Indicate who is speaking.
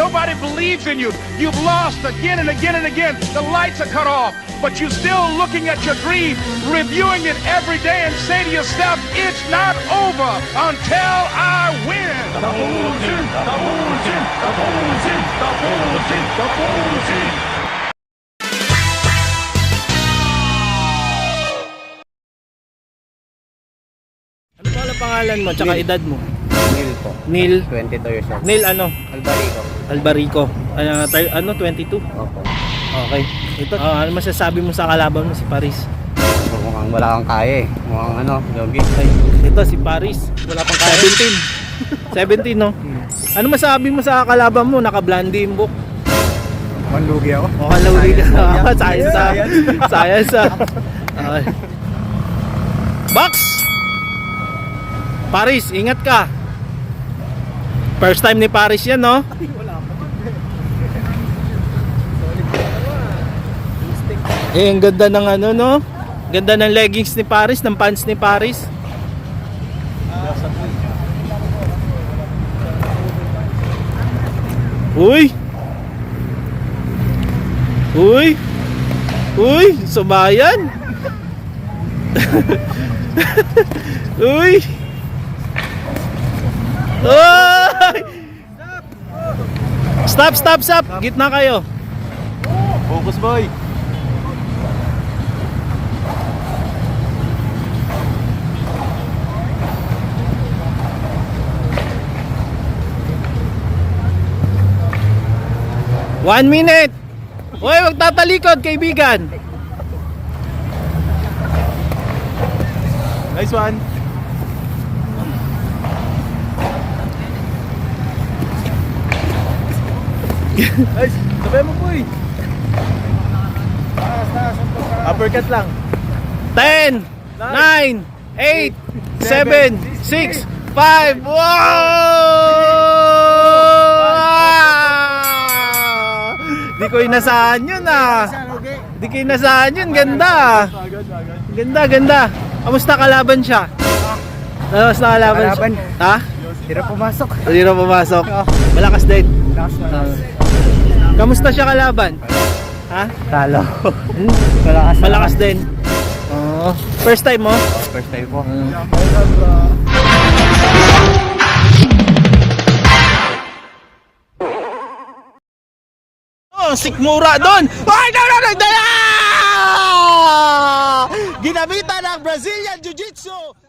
Speaker 1: Nobody believes in you. You've lost again and again and again. The lights are cut off, but you're still looking at your dream, reviewing it every day and say to yourself, it's not over until I win. Tapusin, tapusin, tapusin, tapusin, tapusin.
Speaker 2: Ano pala pangalan mo, tsaka edad mo?
Speaker 3: Neil po.
Speaker 2: Neil?
Speaker 3: 22 years old.
Speaker 2: Neil ano?
Speaker 3: Albarico.
Speaker 2: Albarico. Ano, 22?
Speaker 3: Opo.
Speaker 2: Okay. Ito, ano masasabi mo sa kalaban mo si Paris?
Speaker 3: Mukhang wala kang kaya eh. Mukhang ano, logi.
Speaker 2: Okay. Ito si Paris. Wala pang kaya. 17. 17 no? Ano masabi mo sa kalaban mo? Naka-blondie yung book.
Speaker 3: Mukhang lugi ako.
Speaker 2: Mukhang lugi ka. Science. Okay. Box! Paris, ingat ka. First time ni Paris yan, no? Eh, ang ganda ng ano, no? Ganda ng leggings ni Paris, ng pants ni Paris. Uy! Uy! Uy! Subayan! Uy! Uy! Stop! Gitna kayo.
Speaker 3: Focus boy.
Speaker 2: One minute! Uy, wag tatalikod, kaibigan!
Speaker 3: Nice one. Nice. Sabay mo boy. Uppercut lang.
Speaker 2: 10, 9, 8, 7, 6, 5. Wow! Di ko inasahan yun ah. Di ko inasahan yun. Ganda. Ganda. Kamusta kalaban siya? Kamusta kalaban siya? Ha?
Speaker 3: Tira pumasok.
Speaker 2: Hindi na pumasok. Malakas din. Kamusta siya kalaban? Ha?
Speaker 3: Talo.
Speaker 2: Malakas din. Oo. First time mo?
Speaker 3: First time po.
Speaker 2: Oh, sikmura doon. Ay, no. Ginamitan ng Brazilian Jiu-Jitsu.